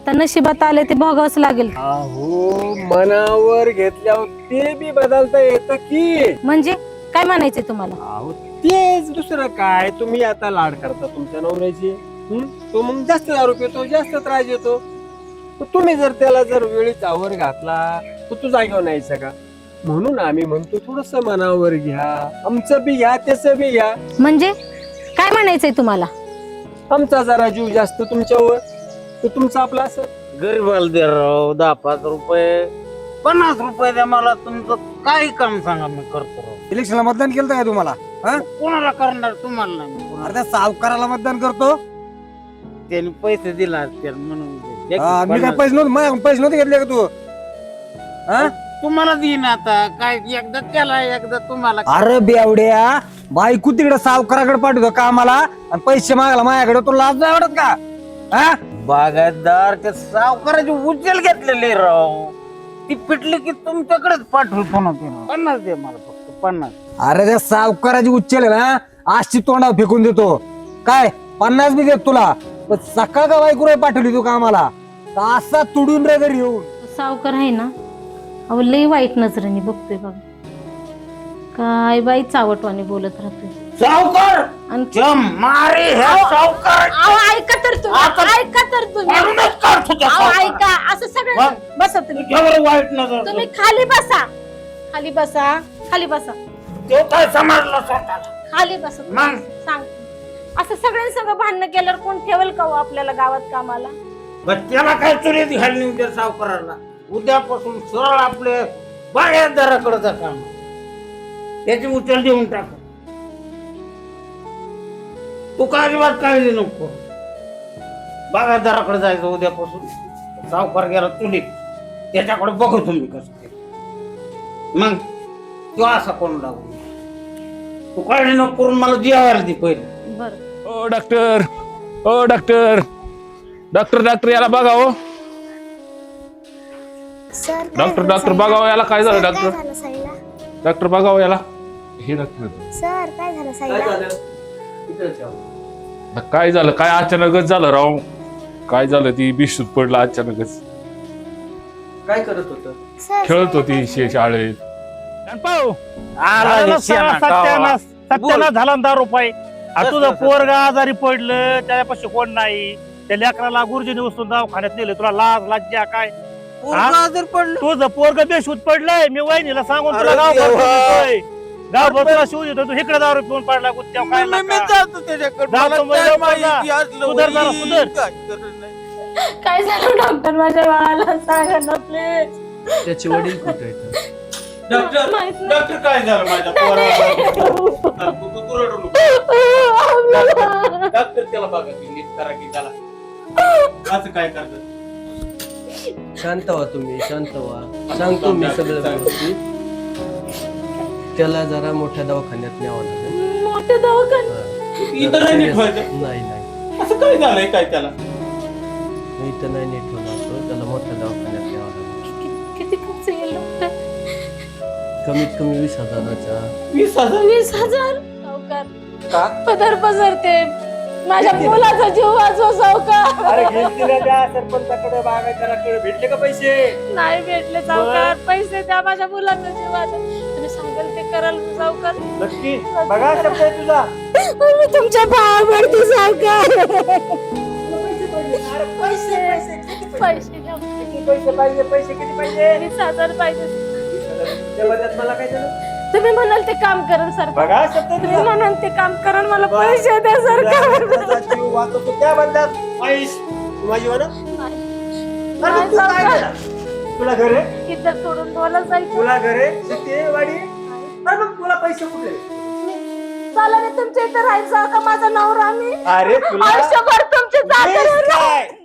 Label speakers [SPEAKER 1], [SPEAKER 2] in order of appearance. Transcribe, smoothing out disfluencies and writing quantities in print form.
[SPEAKER 1] आता नशिबात आले ते भोगावंच लागेल.
[SPEAKER 2] अहो मनावर घेतल्यावर ते बी बदलता येतं की.
[SPEAKER 1] म्हणजे काय म्हणायचंय तुम्हाला?
[SPEAKER 2] अहो तेच दुसरं काय, तुम्ही आता लाड करता तुमच्या नवऱ्याची. तो मग जास्त दारू पितो, जास्त त्रास देतो. तर तुम्ही जर त्याला जर वेळीच आवर घातला तर तू जागेवर न्यायचा का? म्हणून आम्ही म्हणतो थोडस मनावर घ्या, आमचं बी घ्या त्याचं बी घ्या.
[SPEAKER 1] म्हणजे काय म्हणायचंय तुम्हाला?
[SPEAKER 2] आमचा जरा जीव जास्त तुमच्यावर, तर तुमचं आपलं असं.
[SPEAKER 3] गरीबाला दे राव 10-5 रुपये 50 रुपये द्या मला, तुमचं काही काम सांगा मी करतो राव.
[SPEAKER 4] इलेक्शनला मतदान केलं काय तुम्हाला?
[SPEAKER 3] कोणाला करणार तुम्हाला नाही मी कोणाला.
[SPEAKER 4] अर्ध्या सावकाराला मतदान करतो.
[SPEAKER 3] त्यांनी पैसे दिला असतील म्हणून दे.
[SPEAKER 4] मी काय पैसे नव्हते, माझ्याकडून पैसे नव्हते घेतले का तू?
[SPEAKER 3] तुम्हाला देईन आता काय, एकदा त्याला एकदा तुम्हाला.
[SPEAKER 4] अरे बेवड्या, बायको तिकडे सावकाराकडे पाठवतो कामाला आणि पैसे मागायला माझ्याकडे, तुला लाज नाही वाटत का?
[SPEAKER 3] बागायतदार त्या सावकाराची उचल घेतलेली राव, ती पिटली की तुमच्याकडेच पाठवतो ना. 50 दे मला, फक्त 50.
[SPEAKER 4] अरे त्या सावकाराची उच्चल आहे ना, आजची तोंडावर फेकून देतो. काय 50 बी देत तुला, पण सकाळ का बायको रे पाठवली तू कामाला, का असा तुडून रे घरी येऊन.
[SPEAKER 1] सावकार आहे ना, अहो लई वाईट नजरेने बघतोय बघा. काय बाई चावटवाने बोलत राहतोय.
[SPEAKER 3] सावकार
[SPEAKER 1] आणि
[SPEAKER 3] जम मारे ह्या सावकार.
[SPEAKER 1] अहो ऐका तर तुम्ही, ऐका तर तुम्ही.
[SPEAKER 3] मारूनच काढतो त्या
[SPEAKER 1] अहो
[SPEAKER 3] सावकाराला.
[SPEAKER 1] ऐका, असं सगळं बसा तुम्ही.
[SPEAKER 3] तुझ्यावर वाईट नजर.
[SPEAKER 1] तुम्ही खाली बसा, खाली बसा, खाली बसा,
[SPEAKER 3] तो काय समजला स्वतःला.
[SPEAKER 1] खाली बसा.
[SPEAKER 3] मग?
[SPEAKER 1] सांग, असं सगळ्यांसंग भांडणं केल्यावर कोण ठेवल का हो आपल्याला गावात कामाला?
[SPEAKER 3] बरं, त्याला काय चुरीत घालणे उद्या सावकाराला. उद्यापासून सरळ आपले बागायतदाराकडे जा काम, त्याची उचल देऊन टाक. तू काय अजिबात काळजी नको, बागायतदाराकडे जायचं उद्यापासून. सावकार गेला चुलीत, त्याच्याकडे बघू तुम्ही कसं ते. मग तो असा कोण लागू, तू काळजी नको करून मला जेवायला दे पहिले.
[SPEAKER 1] बरं.
[SPEAKER 5] ओ डॉक्टर, ओ डॉक्टर, डॉक्टर डॉक्टर याला बघा हो. डॉक्टर डॉक्टर बघावं याला, काय झालं डॉक्टर? डॉक्टर बघावं याला. हे डॉक्टर
[SPEAKER 6] सर काय झालं साईला?
[SPEAKER 5] काय झालं, काय अचानकच झालं राव. काय झालं, ती बिशूत पडला अचानकच.
[SPEAKER 2] काय करत होत?
[SPEAKER 5] खेळत होती शाळेत.
[SPEAKER 7] सत्यानाश झाला 10 रुपये. तुझं पोरगा आजारी पडलं, त्याच्यापाशी कोण नाही, त्या लेकराला गुरुजीने उचलून दवाखान्यात नेलं. तुला लाज लज्जा काय? तुझं पोरग बेशूत पडलंय, मी वहिनीला सांगून तुला गावभर तुला शिव देतो. तू इकडे दारू पिऊन पडला गुत्त्या काय
[SPEAKER 1] काय झालं डॉक्टर, माझ्या बाळाला सांगा ना प्लीज.
[SPEAKER 2] त्याचे वडील कुठे आहेत?
[SPEAKER 3] डॉक्टर काय झालं माझ्या पोराला? डॉक्टर त्याला बघा की नीट करा की त्याला असं काय करतात.
[SPEAKER 2] शांत व्हा तुम्ही, शांत व्हा. सांगतो मी सगळं व्यवस्थित. त्याला जरा मोठ्या दवाखान्यात न्यावं लागेल.
[SPEAKER 1] मोठे दवाखाने?
[SPEAKER 3] इथं नाही नीट व्हायचं.
[SPEAKER 2] नाही
[SPEAKER 3] असं काय झालंय काय त्याला?
[SPEAKER 2] इथं नाही नीट होणार, त्याला मोठ्या दवाखान्यात न्यावं लागेल.
[SPEAKER 1] किती खर्च येईल डॉक्टर?
[SPEAKER 2] कमीत कमी 20,000चा.
[SPEAKER 3] 20,000?
[SPEAKER 1] 20,000? सावकार
[SPEAKER 2] का?
[SPEAKER 1] पदर पसरते, माझ्या मुलाचा जीव वाचव सावकार.
[SPEAKER 2] अरे घेतलेल्या त्या सरपंचाकडे, बागायतदाराकडे भेटले का पैसे?
[SPEAKER 1] नाही भेटले सावकार, पैसे द्या, माझ्या मुलाचा जीव वाचव. तुम्ही सांगाल ते कराल सावकार.
[SPEAKER 2] नक्की बघा शब्द आहे तुझा.
[SPEAKER 1] मी तुमच्या पायावरती सावकार.
[SPEAKER 2] पैसे
[SPEAKER 1] पैसे द्या.
[SPEAKER 2] किती पैसे पाहिजे? पैसे किती पाहिजे?
[SPEAKER 1] 20,000 पाहिजे.
[SPEAKER 2] त्या बदल्यात मला काय झालं?
[SPEAKER 1] तुम्ही म्हणाल ते काम करा सरकार.
[SPEAKER 2] बघा शब्द आहे
[SPEAKER 1] तुम्ही
[SPEAKER 2] तुझा.
[SPEAKER 1] म्हणाल ते काम करा, मला पैसे द्या सरकार.
[SPEAKER 2] तुझा जीव वाचवतो त्या बदल्यात पैसे. तू माझी हो ना? अरे मग तू काय केलं? तुला घर आहे?
[SPEAKER 1] इथं सोडून बोला जायचं.
[SPEAKER 2] तुला घर आहे, शेती आहे, वाडी आहे? अरे मग तुला पैसे कुठे?
[SPEAKER 1] चला रे, तुमच्या इथं राहायचं का माझा नवरा? मी
[SPEAKER 2] अरे तुला
[SPEAKER 1] आयुष्यभर तुमचे
[SPEAKER 2] वीस
[SPEAKER 1] जाते.
[SPEAKER 2] काय?